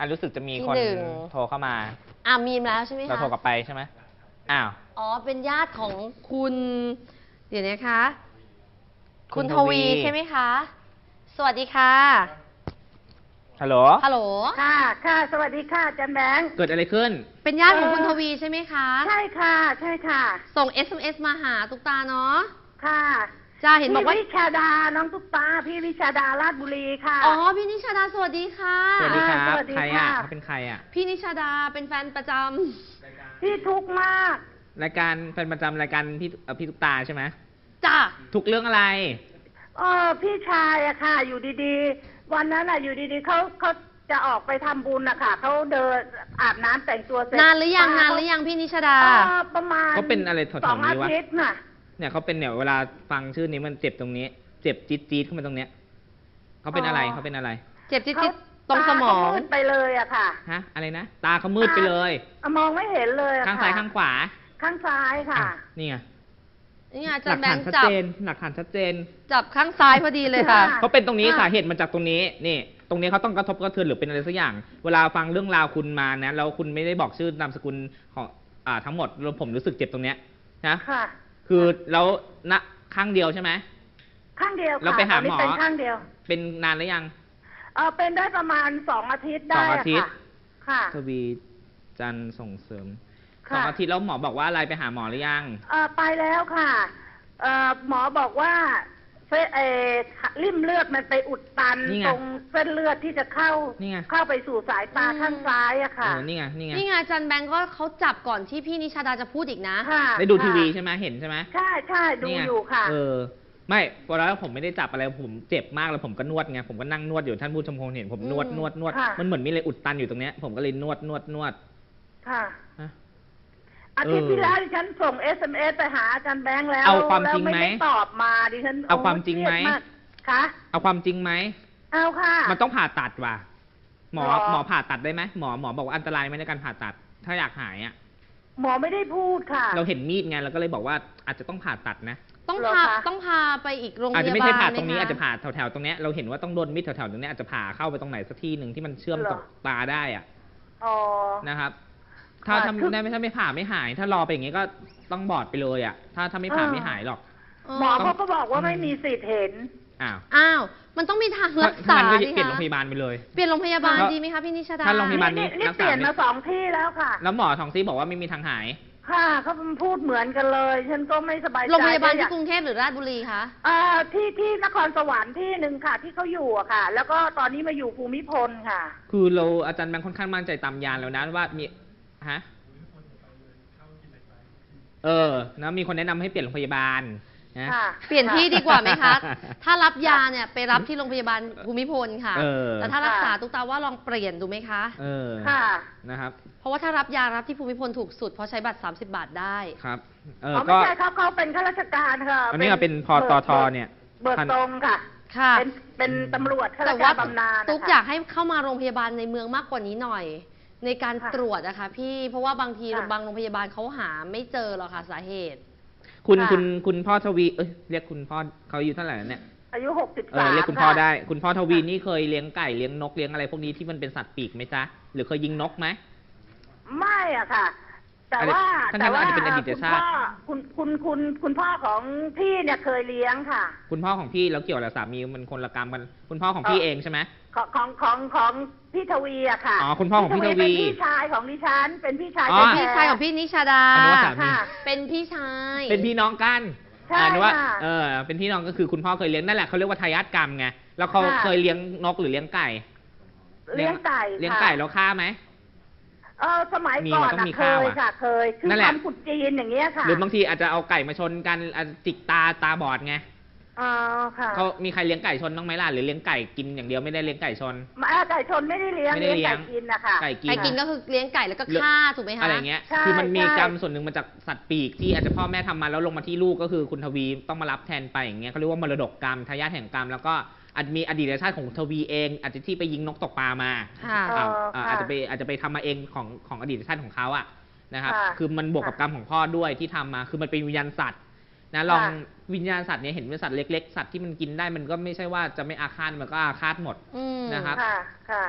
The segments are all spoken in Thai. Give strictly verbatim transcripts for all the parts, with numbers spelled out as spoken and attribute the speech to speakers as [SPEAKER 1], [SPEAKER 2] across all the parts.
[SPEAKER 1] รู้สึกจะมีคนโทรเข้ามา
[SPEAKER 2] อ่ามีมแล้วใช่ไหมคะ
[SPEAKER 1] เราโทรกลับไปใช่ไหมอ้าว
[SPEAKER 2] อ๋อเป็นญาติของคุณเดี๋ยวนะคะคุณทวีใช่ไหมคะสวัสดีค่ะ
[SPEAKER 1] ฮัลโหล
[SPEAKER 2] ฮัลโหล
[SPEAKER 3] ค่ะค่ะสวัสดีค่ะจันแบงค์
[SPEAKER 1] เกิดอะไรขึ้น
[SPEAKER 2] เป็นญาติของคุณทวีใช่ไหมคะ
[SPEAKER 3] ใช่ค่ะใช่ค่ะ
[SPEAKER 2] ส่ง เอส เอ็ม เอส มาหาตุ๊กตาเนาะ
[SPEAKER 3] ค่ะ
[SPEAKER 2] จ้าเห็นบอกว่า
[SPEAKER 3] พี่วิชาดาน้องตุ๊กตาพี่วิชาดาราชบุรีค่ะ
[SPEAKER 2] อ๋อพี่นิชาดาสวัสดีค่ะ
[SPEAKER 1] สวัสดีครับใครอ่ะเขาเป็นใครอ่ะ
[SPEAKER 2] พี่นิชาดาเป็นแฟนประจำ
[SPEAKER 3] พี่ทุกข์มาก
[SPEAKER 1] รายการแฟนประจำรายการพี่พี่ตุ๊กตาใช่ไหม
[SPEAKER 2] จ้า
[SPEAKER 1] ทุกเรื่องอะไร
[SPEAKER 3] เออพี่ชายอะค่ะอยู่ดีๆวันนั้นอะอยู่ดีๆเขาเขาจะออกไปทำบุญอะค่ะเขาเดินอาบน้ำแต่งตัวเสร็จ
[SPEAKER 2] นานหรือยังนานหรือยังพี่นิชาดา
[SPEAKER 3] ประมาณ
[SPEAKER 1] เขาเป็นอะไรถอด
[SPEAKER 3] สองอาทิตย์น่ะ
[SPEAKER 1] เนี่ยเขาเป็นเนี่ยเวลาฟังชื่อนี้มันเจ็บตรงนี้เจ็บจี๊ดจี๊ดขึ้นมาตรงเนี้ยเขาเป็นอะไรเขาเป็นอะไร
[SPEAKER 2] เจ็บจี๊ดจี๊ดตรงสมอง
[SPEAKER 3] มืดไปเลยอะค่ะ
[SPEAKER 1] ฮะอะไรนะตาเขามืดไปเลย
[SPEAKER 3] มองไม่เห็นเลย
[SPEAKER 1] ข้างซ้ายข้างขวา
[SPEAKER 3] ข้างซ้ายค่ะ
[SPEAKER 1] นี่ไง
[SPEAKER 2] นี่ไงจับ
[SPEAKER 1] หลักฐานชัดเจนหลักฐานชัดเจน
[SPEAKER 2] จับข้างซ้ายพอดีเลยค่ะ
[SPEAKER 1] เขาเป็นตรงนี้สาเหตุมาจากตรงนี้นี่ตรงนี้เขาต้องกระทบกระเทือนหรือเป็นอะไรสักอย่างเวลาฟังเรื่องราวคุณมานะแล้วคุณไม่ได้บอกชื่อนามสกุลของอ่าทั้งหมดแล้วผมรู้สึกเจ็บตรงเนี้ยนะ
[SPEAKER 3] ค่ะ
[SPEAKER 1] คือแล้วณข้างเดียวใช่ไหม
[SPEAKER 3] ข้างเดียว
[SPEAKER 1] เราไปหาหมอ
[SPEAKER 3] เป็นข้างเดียว
[SPEAKER 1] เป็นนานหรือยัง
[SPEAKER 3] เออเป็นได้ประมาณสองอาทิตย์ได้
[SPEAKER 1] สองอาทิตย์
[SPEAKER 3] ค่ะ
[SPEAKER 1] ทวีจันทร์ส่งเสริมสองอาทิตย์แล้วหมอบอกว่าอะไรไปหาหมอหรือยัง
[SPEAKER 3] เออไปแล้วค่ะเออหมอบอกว่าเส้นเอริ่มเลือดมันไปอุดตันตรงเส้นเลือดที่จะเข้าเข้าไปสู่สายตาข้างซ้ายอะค่ะ
[SPEAKER 1] นี่ไงนี่ไง
[SPEAKER 2] นี่ไงจันแบงก์ก็เขาจับก่อนที่พี่นิชาดาจะพูดอีกนะ
[SPEAKER 1] ได้ดูทีวีใช่ไหมเห็นใช่ไหม
[SPEAKER 3] ใช่ใช่ดูอยู่ค่ะ
[SPEAKER 1] เออไม่พอแล้วผมไม่ได้จับอะไรผมเจ็บมากแล้วผมก็นวดไงผมก็นั่งนวดอยู่ท่านผู้ชมคงเห็นผมนวดนวดนวดมันเหมือนมีอะไรอุดตันอยู่ตรงเนี้ยผมก็เลยนวดนวดนวด
[SPEAKER 3] ค่ะอาทิตย์ที่แล้วดิฉันส่ง เอส เอ็ม เอส ไปหาอาจารย์แบงค์แล้ว
[SPEAKER 1] เอาความจริงไหม
[SPEAKER 3] ตอบมาดิฉัน
[SPEAKER 1] เอาความจริงไหม
[SPEAKER 3] คะ
[SPEAKER 1] เอาความจริงไหม
[SPEAKER 3] เอาค่ะ
[SPEAKER 1] มันต้องผ่าตัดว่ะหมอหมอผ่าตัดได้ไหมหมอหมอบอกว่าอันตรายไหมในการผ่าตัดถ้าอยากหายอ่ะ
[SPEAKER 3] หมอไม่ได้พูดค่ะ
[SPEAKER 1] เราเห็นมีดไงเราก็เลยบอกว่าอาจจะต้องผ่าตัดนะ
[SPEAKER 2] ต้องพาต้องพาไปอีกโรงพยาบาลอาจ
[SPEAKER 1] จะไม่ใช่ผ่าตรงนี้อาจจะผ่าแถวๆตรงนี้เราเห็นว่าต้องโดนมีดแถวๆตรงนี้อาจจะผ่าเข้าไปตรงไหนสักที่หนึ่งที่มันเชื่อมกับตาได้อ่ะนะครับถ้าทำได้ไม่ถ้าไม่ผ่าไม่หายถ้ารอไปอย่างงี้ก็ต้องบอดไปเลยอ่ะถ้าถ้าไม่ผ่าไม่หายหรอก
[SPEAKER 3] หมอเขาก็บอกว่าไม่มีสิทธิ์เห็น
[SPEAKER 1] อ้าว
[SPEAKER 2] อ้าวมันต้องมีทางรักษา
[SPEAKER 1] ดิเปลี่ยนโรงพยาบาลไปเลย
[SPEAKER 2] เปลี่ยนโรงพยาบาลดีไหมคะพี่นิชาดา
[SPEAKER 1] ถ้าโรงพยาบาล
[SPEAKER 3] นี้นี่เปลี่ยนมาสองที่แล้วค่ะ
[SPEAKER 1] แล้วหมอทองซีบอกว่าไม่มีทางหาย
[SPEAKER 3] ค่ะเขาพูดเหมือนกันเลยฉันก็ไม่สบายใจ
[SPEAKER 2] โรงพยาบาลที่กรุงเทพหรือราชบุรีคะ
[SPEAKER 3] อ่าที่ที่นครสวรรค์ที่หนึ่งค่ะที่เขาอยู่อะค่ะแล้วก็ตอนนี้มาอยู่ภูมิพลค่ะ
[SPEAKER 1] คือเราอาจารย์แบงค์ค่อนข้างมั่นใจตามยานแล้วนะว่ามีฮะเออนะมีคนแนะนำให้เปลี่ยนโรงพยาบาลนะ
[SPEAKER 2] เปลี่ยนที่ดีกว่าไหมคะถ้ารับยาเนี่ยไปรับที่โรงพยาบาลภูมิพลค่ะแต่ถ้ารักษาตุ๊กตาว่าลองเปลี่ยนดูไหมคะ
[SPEAKER 1] เออ
[SPEAKER 3] ค่ะ
[SPEAKER 1] นะครับ
[SPEAKER 2] เพราะว่าถ้ารับยารับที่ภูมิพลถูกสุดเพราะใช้บัตรสามสิบบาทได้
[SPEAKER 1] ครับ
[SPEAKER 3] เออก็ไม่ใช่ครับเขาเป็นข้าราชการค่ะ
[SPEAKER 1] อันนี้เป็นพตทเนี่ย
[SPEAKER 3] เบิกตรงค่ะ
[SPEAKER 2] ค่ะ
[SPEAKER 3] เป็นเป็นตำรวจข้าราชการบำนาญ
[SPEAKER 2] ตุ๊กอยากให้เข้ามาโรงพยาบาลในเมืองมากกว่านี้หน่อยในการตรวจนะคะพี่เพราะว่าบางทีบางโรงพยาบาลเขาหาไม่เจอหรอกค่ะสาเหตุ
[SPEAKER 1] คุณคุณคุณพ่อทวีเอ้ยเรียกคุณพ่อเขาอายุเท่าไหร่เนี่ย
[SPEAKER 3] อายุหกสิบสาม
[SPEAKER 1] เรียกคุณพ่อได้คุณพ่อทวีนี่เคยเลี้ยงไก่เลี้ยงนกเลี้ยงอะไรพวกนี้ที่มันเป็นสัตว์ปีกไหมจ๊ะหรือเคยยิงนกไหม
[SPEAKER 3] ไม่อะค่ะแต่ว่า
[SPEAKER 1] แต่ว่าคุณพ่อ
[SPEAKER 3] คุณคุณคุณคุณพ่อของพี่เนี่ยเคยเลี้ยงค่ะ
[SPEAKER 1] คุณพ่อของพี่แล้วเกี่ยวกับสามีมันคนละกรรมกันคุณพ่อของพี่เองใช่ไหม
[SPEAKER 3] ของของของของพี่ทวีอะค่ะ
[SPEAKER 1] อ๋อคุณพ่อของพี่ทวี
[SPEAKER 3] เป็นพี่ชายของดิฉันเป็นพี่ชาย
[SPEAKER 2] เป็นพี่ชายของพี่นิชาดา
[SPEAKER 1] ค่ะ
[SPEAKER 2] เป็นพี่ชาย
[SPEAKER 1] เป็นพี่น้องกัน
[SPEAKER 3] ใช่
[SPEAKER 1] ว่าเออเป็นพี่น้องก็คือคุณพ่อเคยเลี้ยงนั่นแหละเขาเรียกว่าทายาทกรรมไงแล้วเขาเคยเลี้ยงนกหรือเลี้ยงไก่
[SPEAKER 3] เลี้ยงไก่
[SPEAKER 1] เลี้ยงไก่แล้วฆ่าไหม
[SPEAKER 3] เออสมัยก่อนเคยค่ะเคยคือทำขุดจีนอย่างเงี้ยค่ะ
[SPEAKER 1] หรือบางทีอาจจะเอาไก่มาชนกันจิกตาตาบอดไง
[SPEAKER 3] อ๋อค่ะ
[SPEAKER 1] เขามีใครเลี้ยงไก่ชนบ้างไหมล่ะหรือเลี้ยงไก่กินอย่างเดียวไม่ได้เลี้ยงไก่ชน
[SPEAKER 3] มาไก่ชนไม่ได้เลี้ยงเลี้ยงไก่กินนะคะ
[SPEAKER 1] ไก่กิน
[SPEAKER 2] ไก่กินก็คือเลี้ยงไก่แล้วก็ฆ่าถูกไหมคะ
[SPEAKER 1] อะไรเงี้ยคือมันมีกรรมส่วนหนึ่งมาจากสัตว์ปีกที่อาจจะพ่อแม่ทำมาแล้วลงมาที่ลูกก็คือคุณทวีต้องมารับแทนไปอย่างเงี้ยเขาเรียกว่ามรดกกรรมทายาทแห่งกรรมแล้วก็อาจมีอดีตชาติของทวีเองอาจจะที่ไปยิงนกตกปลามาอาจจะไปอาจจะไปทำมาเองของของอดีตชาติของเขาอะนะครับคือมันบวกกับกรรมของพ่อด้วยที่ทำมาคือมันเป็นวิญญาณสัตว์นะลองวิญญาณสัตว์เนี่ยเห็นเป็นสัตว์เล็กๆสัตว์ที่มันกินได้มันก็ไม่ใช่ว่าจะไม่อาฆาตมันก็อาฆาตหมดนะครับนะครับ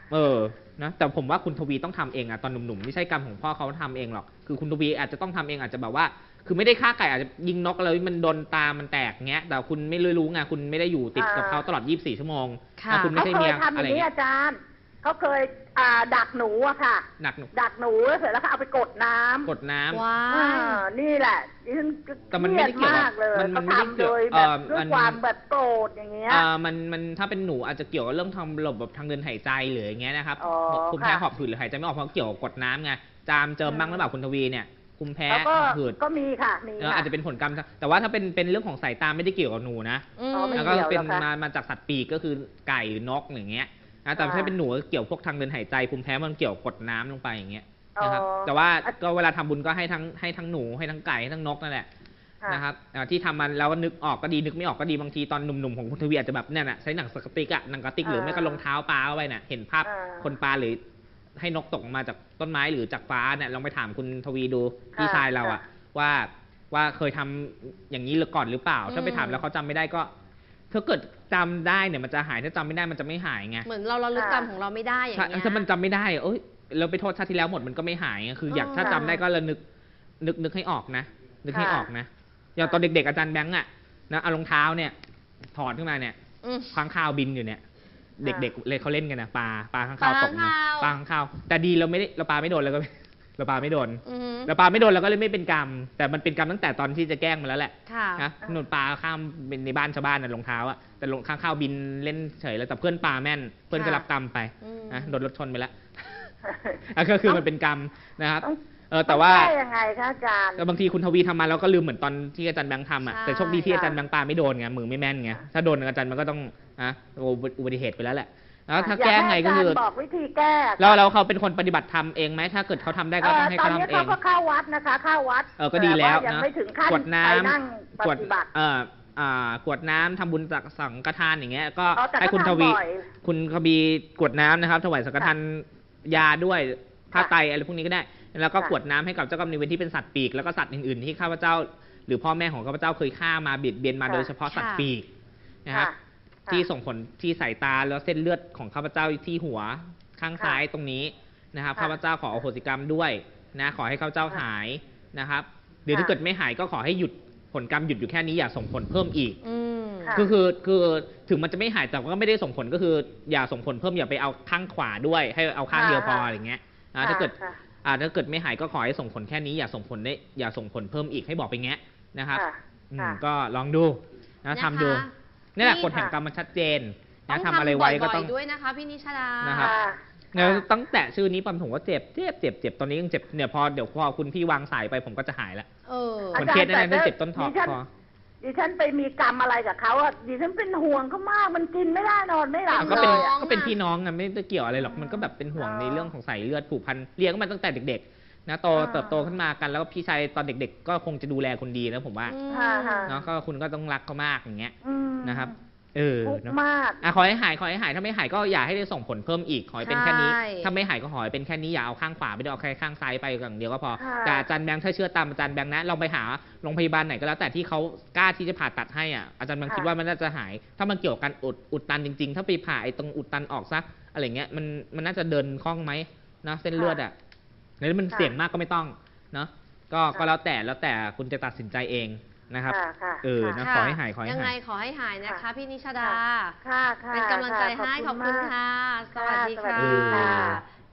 [SPEAKER 1] เออนะแต่ผมว่าคุณทวีต้องทำเองอะตอนหนุ่มๆไม่ใช่กรรมของพ่อเขาทำเองหรอกคือคุณทวีอาจจะต้องทำเองอาจจะแบบว่าคือไม่ได้ฆ่าไก่อาจจะยิงนกแล้วมันโดนตามันแตกเงี้ยแต่คุณไม่รู้ไงคุณไม่ได้อยู่ติดกับเขาตลอดยี่สิบสี่ชั่วโมงแต่คุณไม่
[SPEAKER 3] เขา
[SPEAKER 1] ใช่
[SPEAKER 3] เค
[SPEAKER 1] เมี
[SPEAKER 3] ย
[SPEAKER 1] ย
[SPEAKER 3] ทำอ
[SPEAKER 1] อะไร
[SPEAKER 3] ย่างนี้
[SPEAKER 1] เงี้ย
[SPEAKER 3] อาจารย์เขาเคยอ่าดักหนูอะค่ะ
[SPEAKER 1] หนักหนุ
[SPEAKER 3] ดักหนูเสร็จแล้วก็เอาไปกดน้ำ
[SPEAKER 1] กดน้ำ
[SPEAKER 2] ว้า
[SPEAKER 3] อ่าย นี่แหละดิฉัน
[SPEAKER 1] แต่มันไม่ได้เกี่ยวกับ
[SPEAKER 3] ครีมากเลย
[SPEAKER 1] มันมัน
[SPEAKER 3] เขา
[SPEAKER 1] ไม่ได้
[SPEAKER 3] ทำ
[SPEAKER 1] เกี่
[SPEAKER 3] โด
[SPEAKER 1] ยวย
[SPEAKER 3] แบบ
[SPEAKER 1] เอ่อ
[SPEAKER 3] ด้วย
[SPEAKER 1] มัน
[SPEAKER 3] ความแบบโกรธอย่างเงี้ย
[SPEAKER 1] อ่ามันมันถ้าเป็นหนูอาจจะเกี่ยวกับเรื่องทำระบบทางเดินหายใจหรืออย่างเงี้ยนะครับ
[SPEAKER 3] อ๋อ
[SPEAKER 1] ภูมิแพ้
[SPEAKER 3] ค่ะ
[SPEAKER 1] หอบหืดหรือหายใจไม่ออกเพราะเกี่ยวกับกดน้ำไงจามเจิมบ้างหรือเปล่าคุณทวีเนี่ยภูมิแพ้
[SPEAKER 3] แล้วก็
[SPEAKER 1] หอบหืด
[SPEAKER 3] ก็มีค่ะมี
[SPEAKER 1] เออ
[SPEAKER 3] ค่ะ
[SPEAKER 1] อาจจะเป็นผลกรรมแต่ว่าถ้าเป็นเป็นเรื่องของสายตาไม่ได้เกี่ยวกับหนูนะ
[SPEAKER 2] อืม
[SPEAKER 3] อ๋อไม่
[SPEAKER 1] แล้วก็
[SPEAKER 3] เกี่ยว
[SPEAKER 1] เป็น
[SPEAKER 3] หรอคะ
[SPEAKER 1] มามาจากสัตว์ปีกก็คือไก่หรือนกอย่างเงี้ยนะแต่
[SPEAKER 3] อ่า
[SPEAKER 1] ถ้าเป็นหนูก็เกี่ยวพวกทางเดินหายใจภูมิแพ้มันเกี่ยวกับกดน้ำลงไปอย่างเงี้ยนะครับ
[SPEAKER 3] อ๋อ
[SPEAKER 1] แต่ว่าก็เวลาทำบุญก็ให้ทั้งให้ทั้งหนูให้ทั้งไก่ให้ทั้งนกนั่นแหละ
[SPEAKER 3] ค่ะ
[SPEAKER 1] นะครับอ่าที่ทำมันแล้วก็นึกออกก็ดีนึกไม่ออกก็ดีบางทีตอนหนุ่มๆของคุณทวีอาจจะแบบเนี่ยน่ะใช้หนังสกติกอะหนังกระติกหรือไม่ก็รองเท้าปลาเอาไว้น่ะเห็นภาพ
[SPEAKER 3] อ่า
[SPEAKER 1] คนปลาหรือให้นกตกมาจากต้นไม้หรือจากฟ้าเนี่ยลองไปถามคุณทวีดูพี่ชายเราอะว่าว่าเคยทำอย่างนี้หรือก่อนหรือเปล่า ถ้าไปถามแล้วเขาจำไม่ได้ก็ถ้าเกิดจำได้เนี่ยมันจะหายถ้าจำไม่ได้มันจะไม่หายไง
[SPEAKER 2] เหมือนเราเราลึกกรรมของเราไม่ได้อย่าง
[SPEAKER 1] ถ้า
[SPEAKER 2] เงี้ย
[SPEAKER 1] ถ้ามันจำไม่ได้เอ้ยเราไปโทษชาติที่แล้วหมดมันก็ไม่หายไงคืออยาก
[SPEAKER 2] เออ
[SPEAKER 1] ถ้าจำได้ก็ระนึกนึกนึกให้ออกนะ นึกให้
[SPEAKER 3] ค่ะ
[SPEAKER 1] ออกนะอย่างตอนเด็กๆอาจารย์แบงค์อะนะเอารองเท้าเนี่ยถอดขึ้นมาเนี่ย
[SPEAKER 2] อืม
[SPEAKER 1] ค้างคาวบินอยู่เนี่ย เด็กๆเลยเขาเล่นกันนะปลาปลาค้าง
[SPEAKER 2] ปลา
[SPEAKER 1] คาวตกมา
[SPEAKER 2] ค้างคาว
[SPEAKER 1] ปลาค้างคาวแต่ดีเราไม่ได้เราปลาไม่โดนแล้วก็ เราปลาไม่โดน
[SPEAKER 2] อือหือ
[SPEAKER 1] เราปลาไม่โดนเราก็เลยไม่เป็นกรรม แต่มันเป็นกรรมตั้งแต่ตอนที่จะแกล้งมันแล้วแหละ
[SPEAKER 2] ค่ะ
[SPEAKER 1] นะหนุนปลาข้ามเป็นในบ้านชาวบ้านน่ะรองเท้าอะแต่รองค้างคาวบินเล่นเฉยแล้วแต่เพื่อนปลาแม่น เพื่อนก็รับกรรมไป
[SPEAKER 2] อืม
[SPEAKER 1] นะโดนรถชนไปแล้ว อ่ะก็คือมันเป็นกรรมนะครับ
[SPEAKER 3] ต้อง
[SPEAKER 1] เออแต่ว่า
[SPEAKER 3] ต้องก้ยังไงคะอาจารย์
[SPEAKER 1] แต่บางทีคุณทวีทำมาแล้วก็ลืมเหมือนตอนที่อาจารย์แบงค์ทำอ่ะ
[SPEAKER 2] ใช่
[SPEAKER 1] แต่โชคดีที่
[SPEAKER 3] ค่ะ
[SPEAKER 1] อาจารย์แบงค์ปาไม่โดนไงมือไม่แม่นไงถ้าโดนอาจารย์มันก็ต้องอ่ะอุบัติเหตุไปแล้วแหละแล้วถ้าแก้ไงก็คือ
[SPEAKER 3] อยาให้าจารย์บอกวิธีแก้ค่ะ
[SPEAKER 1] แล้วเราเขาเป็นคนปฏิบัติธรรมเองไหมถ้าเกิดเขาทำได้ก็
[SPEAKER 3] เอ่
[SPEAKER 1] ต้อ
[SPEAKER 3] อง
[SPEAKER 1] ให้
[SPEAKER 3] ตอน
[SPEAKER 1] เขา
[SPEAKER 3] นี้
[SPEAKER 1] ทำเอ
[SPEAKER 3] เขา
[SPEAKER 1] ง
[SPEAKER 3] ก็เข้าวัดนะคะ เข้าวัด
[SPEAKER 1] เออก็ดีแล้ว
[SPEAKER 3] ต่ายัง
[SPEAKER 1] นะ
[SPEAKER 3] ไม่ถึงขั้น
[SPEAKER 1] กวดน้
[SPEAKER 3] ไปนั่ง
[SPEAKER 1] ำ
[SPEAKER 3] ป
[SPEAKER 1] กวด
[SPEAKER 3] ฏิบัติ
[SPEAKER 1] เอ่ออ่ากวดน้ำทำบุญจากสังฆทานอย่างเงี้ยก็
[SPEAKER 3] อ๋อแต่
[SPEAKER 1] ให้คุณ
[SPEAKER 3] ก็
[SPEAKER 1] ทวี
[SPEAKER 3] ทำบ่อย
[SPEAKER 1] คุณทวีกวดน้ำนะครับถวายสังฆทานยาด้วยผ้าไตรอะไรพวกนี้ก็ได้ แล้วก็
[SPEAKER 3] ค่ะ
[SPEAKER 1] กวดน้ำให้กับเจ้ากรรมนายเวรที่เป็นสัตว์ปีกแล้วก็สัตว์อื่นๆที่ข้าพเจ้า หรือพ่อแม่ของข้าพเจ้าเคยฆ่ามาเบียดเบียนมา
[SPEAKER 3] ค่ะ
[SPEAKER 1] โดยเฉพาะสัตว์ปีกนะครับ
[SPEAKER 3] ค่ะ
[SPEAKER 1] ที่ส่งผลที่สายตาแล้วเส้นเลือดของข้าพเจ้าที่หัวข้างซ้ายตรงนี้นะครับ
[SPEAKER 3] ค่ะ
[SPEAKER 1] ข้าพเจ้าขออโหสิกรรมด้วยนะขอให้ข้าพเจ้าหายนะครับหรือถ้า
[SPEAKER 3] ค่ะ
[SPEAKER 1] เกิดไม่หายก็ขอให้หยุดผลกรรมหยุดอยู่แค่นี้อย่าส่งผลเพิ่มอีก
[SPEAKER 2] อืม
[SPEAKER 3] ค่ะ
[SPEAKER 1] คือคือคือถึงมันจะไม่หายแต่ก็ไม่ได้ส่งผลก็คือ อย่าส่งผลเพิ่มอย่าไปเอาข้างขวาด้วย ให้เอาข้างเดียวพออะไรเงี้ยนะถ้าเกิด
[SPEAKER 3] ค่ะ
[SPEAKER 1] อ่าถ้าเกิดไม่หายก็ขอให้ส่งผลแค่นี้อย่าส่งผลได้อย่าส่งผลเพิ่มอีกให้บอกไปแงะนะครับ
[SPEAKER 3] ค่ะ
[SPEAKER 1] อืม
[SPEAKER 3] ค่ะ
[SPEAKER 1] ก็ลองดูนะ
[SPEAKER 2] นะคะ
[SPEAKER 1] ทำดูนี่แหละ
[SPEAKER 3] นี่
[SPEAKER 1] กฎแห่ง
[SPEAKER 3] ค่ะ
[SPEAKER 1] กรรมมันชัดเจน
[SPEAKER 2] ต้
[SPEAKER 1] นะ
[SPEAKER 2] อง
[SPEAKER 1] ทำอะไรไว้ก็
[SPEAKER 2] บ่
[SPEAKER 1] ต้
[SPEAKER 2] อ
[SPEAKER 1] อง
[SPEAKER 2] ยๆด้วยนะคะพี่นิชดา
[SPEAKER 1] นะครับ
[SPEAKER 3] ค่ะ
[SPEAKER 1] เนี่ยตั้งแต่ชื่อนี้ปั๊มผมก็เจ็บเจ็บเจ็บเจ็บตอนนี้ยังเจ็บเนี่ยพอเดี๋ยวพอคุณพี่วางสายไปผมก็จะหายแล้ว
[SPEAKER 2] เออ
[SPEAKER 1] เหมือนเคสนั่นนะเจ็บต้นทอ
[SPEAKER 3] ดิฉัน
[SPEAKER 1] คอ
[SPEAKER 3] ดิฉันไปมีกรรมอะไรกับเขาอ่ะดิฉันเป็นห่วงเขามากมันกินไม่ได้นอนไม่หลับ
[SPEAKER 1] ก็เป็น
[SPEAKER 3] ลยอะ
[SPEAKER 1] ก็เป็นพี่น้องอะไม่ได้เกี่ยวอะไรหรอกมันก็แบบเป็นห่วง
[SPEAKER 3] อ๋อ
[SPEAKER 1] ในเรื่องของสายเลือดผูกพันเลี้ยงกันมาตั้งแต่เด็กๆนะโต
[SPEAKER 3] อ่า
[SPEAKER 1] เติบโตขึ้นมากันแล้วก็พี่ชายตอนเด็ก ๆ ก็คงจะดูแลคนดีนะผมว่า
[SPEAKER 2] อืม
[SPEAKER 3] ค่ะค่ะ
[SPEAKER 1] เนาะก็คุณก็ต้องรักเขามากอย่างเงี้ย
[SPEAKER 3] อืม
[SPEAKER 1] นะครับ เออ
[SPEAKER 3] ทุกข์
[SPEAKER 1] เนาะ
[SPEAKER 3] มาก
[SPEAKER 1] อ่ะขอให้หายขอให้หายถ้าไม่หายก็อย่าให้ได้ส่งผลเพิ่มอีกขอให้เป็นแค่นี้
[SPEAKER 2] ใช่
[SPEAKER 1] ถ้าไม่หายก็ขอให้เป็นแค่นี้อย่าเอาข้างขวาไปด้วยเอาแค่ข้างซ้ายไปอย่างเดียวก็พอ
[SPEAKER 3] ค่ะ
[SPEAKER 1] แต่อาจารย์แบงค์ถ้าเชื่อตามอาจารย์แบงค์นะลองไปหาโรงพยาบาลไหนก็แล้วแต่ที่เขากล้าที่จะผ่าตัดให้อ่ะอาจารย์แบงค์คิดว่ามันน่าจะหาย ถ้ามันเกี่ยวกับการอุดอุดตันจริง ๆ ถ้าไปผ่าไอ้ตรงอุดตันออกซะอะไรเงี้ยมันมันน่าจะเดินคล่องไหมนะเส้นเลือดอ่ะแล้วมันเสี่ยงมากก็ไม่ต้องเนาะก็ก็แล้วแต่แล้วแต่คุณจะตัดสินใจเองนะครับ
[SPEAKER 3] ค่ะค่ะ
[SPEAKER 1] เออ
[SPEAKER 3] ค่ะ
[SPEAKER 1] นะ ขอให้หายขอให้
[SPEAKER 2] ยังไง
[SPEAKER 1] หาย
[SPEAKER 2] ขอให้หายนะคะ
[SPEAKER 3] ค่ะ
[SPEAKER 2] พี่นิชดา
[SPEAKER 3] ค่ะค่ะ
[SPEAKER 2] เป็นกำลังใจให้ขอบคุณ
[SPEAKER 3] มาก
[SPEAKER 2] ค่ะ สวัสดี
[SPEAKER 3] ค่ะ
[SPEAKER 2] ค่
[SPEAKER 3] สวัสดีค่ะ
[SPEAKER 2] ะ